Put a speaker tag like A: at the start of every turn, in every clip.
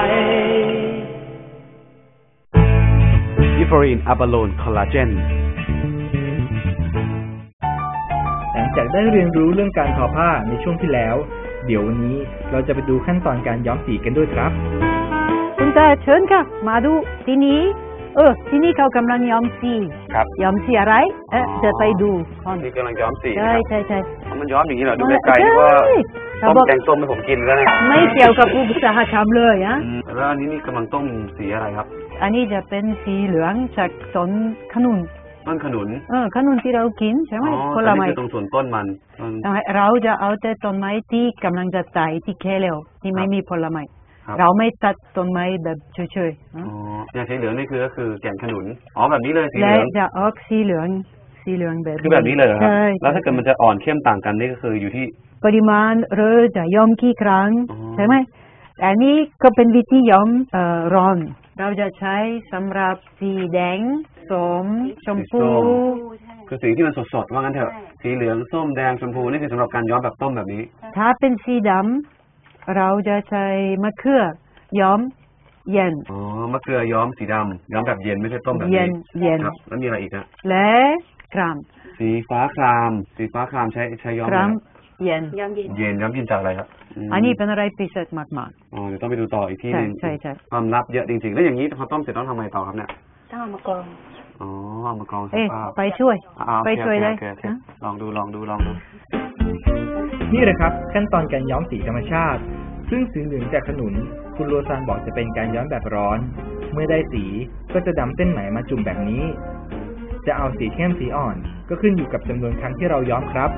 A: อิฟอรีนอะบาโลนคอลลาเจน
B: หลังจากได้เรียนรู้เรื่องการทอผ้าในช่วงที่แล้วเดี๋ยววันนี้เราจะไปดูขั้นตอนการย้อมสีกันด้วยครับ
C: คุณตาเชิญค่ะมาดูที่นี้ที่นี่เขากำลังย้อมสี
A: ครับ
C: ย้อมสีอะไรจะไปดู
A: นี่กำลังย้อมสี
C: ใช่ใช่ใช่
A: มันย้อมอย่างนี้เหรอดูไกลๆว่าต้มแกงส้มให้ผมกินแล้วเนี่ย
C: ไม่เกี่ยวกับอุตสาหกรรมเลยนะ
A: แล้วอันนี้นี่กำลังต้มสีอะไรครับ
C: อันนี้จะเป็นสีเหลืองจากต้นขนุน
A: ต้นขนุน
C: ขนุนที่เรากินใช่ไหม
A: ผลไม้ตรงส่วนต้นมัน
C: เราจะเอาแต่ต้นไม้ที่กำลังจะตายที่แค่แล้วที่ไม่มีผลไม้เราไม่ตัดต้นไม้แบบเฉย
A: ๆอย่างสีเหลืองนี่ก็คือแก่นขนุนแบบนี้เลยสีเหลือง
C: และจะออกสีเหลืองแบบ
A: คือแบบนี้เลยครับแล้วถ้าเกิดมันจะอ่อนเข้มต่างกันนี่ก็คืออยู่ที่
C: ปริมาณหรือจะย้อมกี่ครั้งใช่ไหมอันนี้ก็เป็นวิธีย้อมร้อนเราจะใช้สำหรับสีแดงส้มชมพู
A: คือสีที่มันสดๆว่างั้นเถอะสีเหลืองส้มแดงชมพูนี่คือสำหรับการย้อมแบบต้มแบบนี้
C: ถ้าเป็นสีดำเราจะใช้มะเขือย้อมเย็น
A: มะเขือย้อมสีดำย้อมแบบเย็นไม่ใช่ต้มแบบนี้
C: เย็น
A: ครับแล้วมีอะไรอีกนะ
C: และคราม
A: สีฟ้าครามใช้ย้อม
C: เย็น
A: ย้อมเย็นจากอะไรครับ
C: อันนี้เป็นอะไรพิเศษมาก
A: ๆเดี๋ยวต้องไปดูต่ออีกที่นึง
C: ใช่
A: ความลับเยอะจริงๆแล้วอย่างนี้พอต้มเสร็จต้องทำไงต่อครับเนี่ย
D: ต้องเอามากรอง
A: เอามากรองสภาพ
C: ไปช่วยเลย
A: ลองดู
B: นี่แหละครับขั้นตอนการย้อมสีธรรมชาติซึ่งสีเหลืองจากขนุนคุณโรซานบอกจะเป็นการย้อมแบบร้อนเมื่อได้สีก็จะนำเส้นไหมมาจุ่มแบบนี้จะเอาสีเข้มสีอ่อนก็ขึ้นอยู่กับจำนวนครั้งที่เราย้อมครับ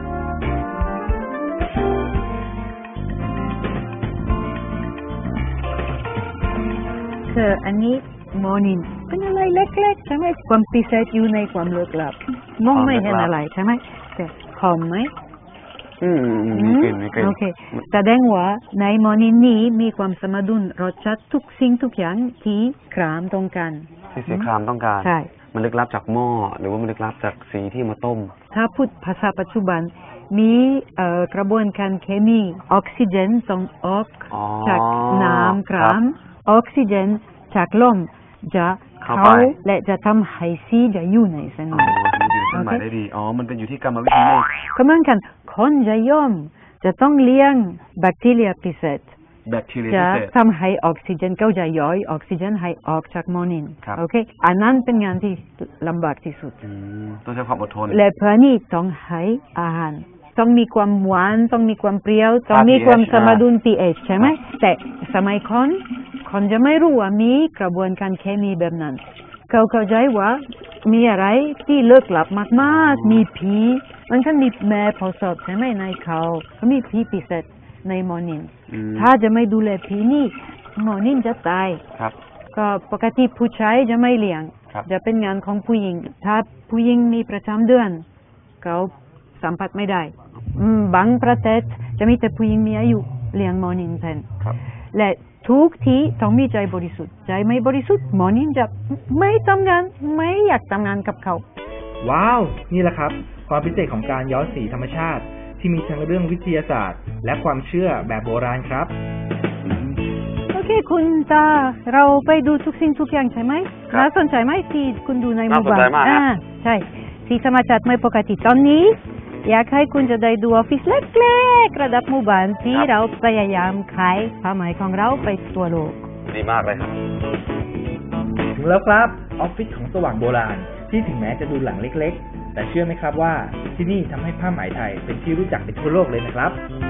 C: อันนี้มอนินเป็นอะไรเล็กๆใช่ไหมความพิเศษอยู่ในความลึกลับมองไม่เห็นอะไรใช่ไหมแต่หอมไหม
A: มีกลิ่น
C: โอเคแสดงว่าในมอนินนี้มีความสมดุลรสชาติทุกสิ่งทุกอย่างที่ครามต้องการ
A: ที่สีครามต้องการ
C: ใช่
A: มันลึกลับจากหม้อหรือว่ามันลึกลับจากสีที่มาต้ม
C: ถ้าพูดภาษาปัจจุบันมีกระบวนการเคมีออกซิเจนต้องออกจากน้ำครามออกซิเจนจากลมจะเข้าและจะทำให้สีจะอยู่ในเส้นไหม
A: ได้ดีมันเป็นอยู่ที่กรรมวิธีนี่
C: ก็เหมือนกันคนจะย้อมจะต้องเลี้ยงแบคทีเรียพิเศษจะทำให้ออกซิเจนเขาจะย่อยออกซิเจนให้ออกจากมอนินโอเคอันนั้นเป็นงานที่ลำบากที่สุด
A: ต้องใช้ความอดทน
C: และเพื่อนี้ต้องให้อาหารต้องมีความหวานต้องมีความเปรี้ยวต้องมีความสมดุล pH ใช่ไหมแต่สมัยคนจะไม่รู้ว่ามีกระบวนการเคมีแบบนั้นเขาเข้าใจว่ามีอะไรที่ลึกลับมากๆมีผีมันก็มีแม่ผสมใช่ไหมในเขามีผีพิเศษในมอนินถ้าจะไม่ดูแลผีนี่มอนินจะตายก็ปกติผู้ชายจะไม่เลี้ยงจะเป็นงานของผู้หญิงถ้าผู้หญิงมีประจำเดือนเขาสัมผัสไม่ได้บางประเทศจะมีแต่ผู้หญิงมีอายุเลี้ยงมอนินแทนและทุกที่ต้องมีใจบริสุทธิ์ใจไม่บริสุทธิ์มอนินจะไม่ทำงานไม่อยากทำงานกับเขา
B: ว้าวนี่แหละครับความพิเศษของการย้อมสีธรรมชาติที่มีทั้งเรื่องวิทยาศาสตร์และความเชื่อแบบโบราณครับ
C: โอเคคุณตาเราไปดูทุกสิ่งทุกอย่างใช่ไหมน่าสนใจไหมที่คุณดูในหมู่บ้านใช่สีธรรมชาติไม่ปกติตอนนี้อยากให้คุณจะได้ดูออฟฟิศเล็กๆระดับหมู่บ้านที่เราพยายามขายผ้าไหมของเราไปทั่วโลก
A: ดีมากเลยครับ
B: ถึงแล้วครับออฟฟิศของสว่างโบราณที่ถึงแม้จะดูหลังเล็กๆแต่เชื่อไหมครับว่าที่นี่ทำให้ผ้าไหมไทยเป็นที่รู้จักไปทั่วโลกเลยนะครับ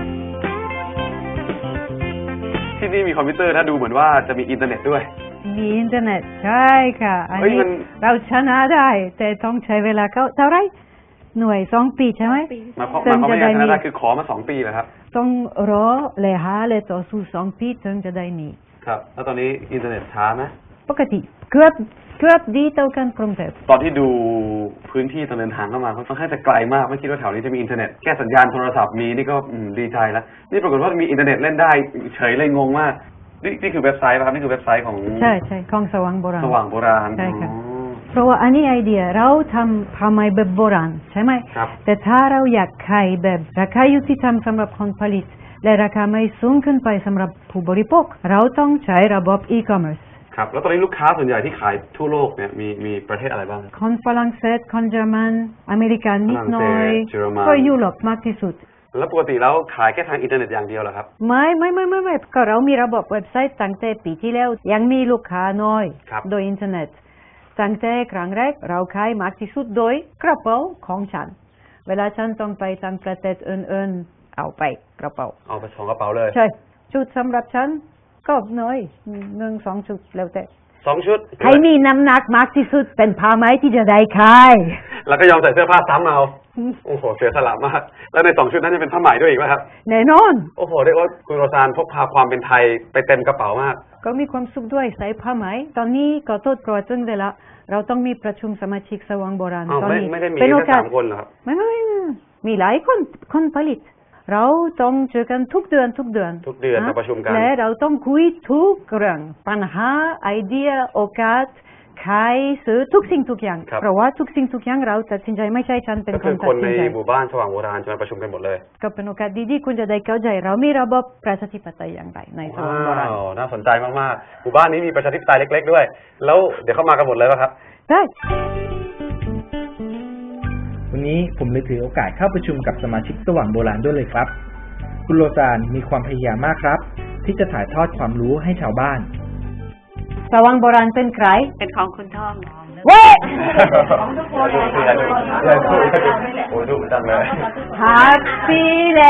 A: ที่นี่มีคอมพิวเตอร์ถ้าดูเหมือนว่าจะมีอินเทอร์เน็ตด้วย
C: มีอินเทอร์เน็ตใช่ค่ะอันนี้เราชนะได้แต่ต้องใช้เวลาเท่าไรหน่วย2 ปีใช่ไหม
A: มาเขาไม่ได้ชนะได้คือขอมา2 ปีเหรอครับ
C: ต้องรอเลยหาเลยต่อสู้2 ปีถึงจะได้นี่
A: ครับแล้วตอนนี้อินเทอร์เน็ตช้าไหม
C: ปกติเกือบดีเท่ากันกรุงเทพ
A: ตอนที่ดูพื้นที่ตอนเดินทางเข้ามาค่อนข้างจะไกลมากไม่คิดว่าแถวนี้จะมีอินเทอร์เน็ตแค่สัญญาณโทรศัพท์มีนี่ก็ดีใจแล้วนี่ปรากฏว่ามีอินเทอร์เน็ตเล่นได้เฉยเลยงงมากนี่คือเว็บไซต์ป่ะครับนี่คือเว็บไซต์ของ
C: ใช่ของสว่างโบราณใช่ค่ะเพราะว่าอันนี้ไอเดียเราทำผ้าไหมแบบโบราณใช่ไหมแต่ถ้าเราอยากขายแบบราคายุติธรรมสำหรับคนผลิตและราคาไม่สูงขึ้นไปสำหรับผู้บริโภคเราต้องใช้ระบบ e-commerce
A: ครับแล้วตอนนี้ลูกค้าส่วนใหญ่ที่ขายทั่วโลกเนี่ยมีประเทศอะไรบ้าง
C: คนฝรั่งเศสคนเยอรมันอเมริกันนิดหน่อย
A: เยอรมัน
C: ก็ยุโรปมากที่สุด
A: แล้วปกติแล้วขายแค่ทางอินเทอร์เน็ตอย่างเดียวเหรอครับ
C: ไม่ก็เรามีระบบเว็บไซต์ตั้งแต่ปีที่แล้วยังมีลูกค้าน้อย
A: ครับ
C: โดยอินเทอร์เน็ตตั้งแต่ครั้งแรกเราขายมากที่สุดโดยกระเป๋าของฉันเวลาฉันต้องไปต่างประเทศอื่นๆเอาไปกระเป๋า
A: เอาไป2กระเป๋าเลย
C: ใช่ชุดสำหรับฉันก็น้อย1-2 ชุดแล้วแต่
A: 2 ชุด
C: ใครมีน้ำหนักมากที่สุดเป็นผ้าไหมที่จะได้ขาย
A: แล้วก็ยอมใส่เสื้อผ้าซ้ำเอาโอ้โหเสียสละมากแล้วใน2ชุดนั้นจะเป็นผ้าไหมด้วยอีกไหมครับ
C: แน่นอน
A: โอ้โหเรียกว่าคุณโรซานพกพาความเป็นไทยไปเต็มกระเป๋ามาก
C: ก็มีความสุขด้วยใส่ผ้าไหมตอนนี้ก็โทษโปรดจึงได้ละเราต้องมีประชุมสมาชิกสว่างโบราณ
A: อ้าว
C: ตอนนี้
A: ไม่ได้มี
C: เป็นโอ
A: แค่
C: กาส
A: 3 คนเหรอครับ
C: ไม่มีหลายคนผลิต เราต้องเจอกันทุกเดือน
A: ทุกเดือนมาประชุมกัน
C: และเราต้องคุยทุกเรื่องปัญหาไอเดียโอกาสขายซื้อทุกสิ่งทุกอย่าง
A: ครับ
C: เพราะว่าทุกสิ่งทุกอย่างเราตัดสินใจไม่ใช่ฉันเป็น
A: ก็
C: ค
A: คื
C: น
A: อ
C: ตั
A: ค
C: ด
A: น
C: สิ
A: ใน
C: นใจ
A: หมู่บ้านสว่างโบราณจะมาประชุมกันหมดเลย
C: ก็เป็นโอกาสดีๆคุณจะได้เข้าใจเรามีระบบประชาธิปไตยอย่างไรในสว่างโบราณ
A: ว้าวน่าสนใจมากๆหมู่บ้านนี้มีประชาธิปไตยเล็กๆด้วย แล้วเดี๋ยวเข้ามากันหมดเลยป่ะครับ
C: ได้
B: วันนี้ผมเลยถือโอกาสเข้าประชุมกับสมาชิกสว่างโบราณด้วยเลยครับ คุณโรซานมีความพยายามมากครับ ที่จะถ่ายทอดความรู้ให้ชาวบ้าน
C: สว่างโบราณเป็นใคร
D: เป็นของคุณท่อง
C: เว้ย
A: โอ้ยดูจังเลย
C: ฮัปปี้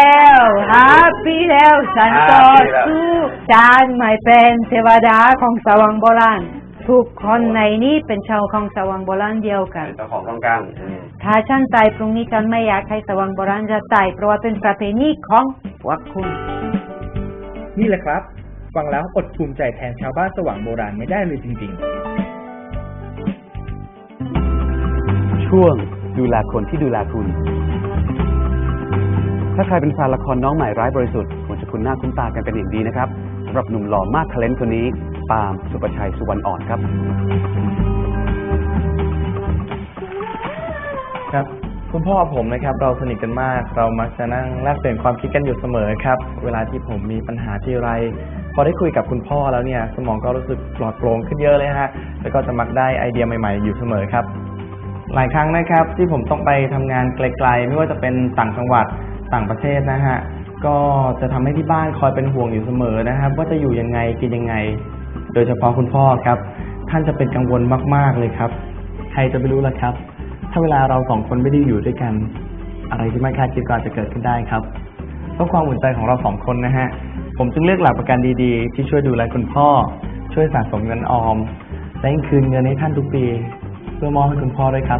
C: แล้วฉันก็สู้ฉันไม่เป็นเทวดาของสว่างโบราณทุกคนในนี้เป็นชาวของสว่างโบราณเดียวกัน
A: เจ้าของต้องการ
C: ถ้าฉันตายพรุ่งนี้ฉันไม่อยากให้สว่างโบราณจะตายเพราะว่าเป็นประเพณีของพวกคุณ
B: นี่แหละครับ ฟังแล้วอดภูมิใจแทนชาวบ้านสว่างโบราณไม่ได้เลยจริงๆ
A: ช่วงดูแลคนที่ดูแลคุณ ถ้าใครเป็นแฟนละครน้องใหม่ร้ายบริสุทธิ์คงจะคุ้นหน้าคุ้นตากันเป็นอย่างดีนะครับสำหรับหนุ่มหล่อมากทะเลนต์คนนี้ปาล์มสุประชัยสุวรรณอ่อนครับ
B: ครับคุณพ่อผมนะครับเราสนิทกันมากเรามักจะนั่งแลกเปลี่ยนความคิดกันอยู่เสมอครับเวลาที่ผมมีปัญหาที่ไรพอได้คุยกับคุณพ่อแล้วเนี่ยสมองก็รู้สึกปลอดโปร่งขึ้นเยอะเลยฮะแล้วก็จะมักได้ไอเดียใหม่ๆอยู่เสมอครับหลายครั้งนะครับที่ผมต้องไปทำงานไกลๆไม่ว่าจะเป็นต่างจังหวัดต่างประเทศนะฮะก็จะทำให้ที่บ้านคอยเป็นห่วงอยู่เสมอนะครับว่าจะอยู่ยังไงกินยังไงโดยเฉพาะคุณพ่อครับท่านจะเป็นกังวลมากๆเลยครับใครจะไปรู้ล่ะครับถ้าเวลาเราสองคนไม่ได้อยู่ด้วยกันอะไรที่ไม่คาดคิดก็อาจจะเกิดขึ้นได้ครับเพราะความอุ่นใจของเราสองคนนะฮะผมจึงเลือกหลักประกันดีๆที่ช่วยดูแลคุณพ่อช่วยสะสมเงินออมและยังคืนเงินให้ท่านทุกปีเพื่อมอบให้คุณพ่อด้วยครับ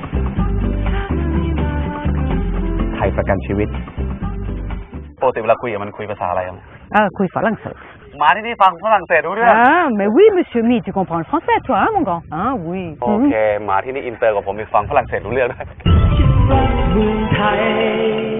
A: ไทยประกันชีวิตปกติเวลาคุยกับมันคุยภาษาอะไรครับ
C: คุยฝรั่งเศส
A: มาที่นี่ฟังฝรั่งเศสรู้เรื่อง
C: mais oui monsieur Mi tu comprends le français toi hein mon grand oui
A: โอเคมาที่นี่อินเตอร์กับผมมีฟังฝรั่งเศสรู้เรื่องด้วย
B: เมืองไทย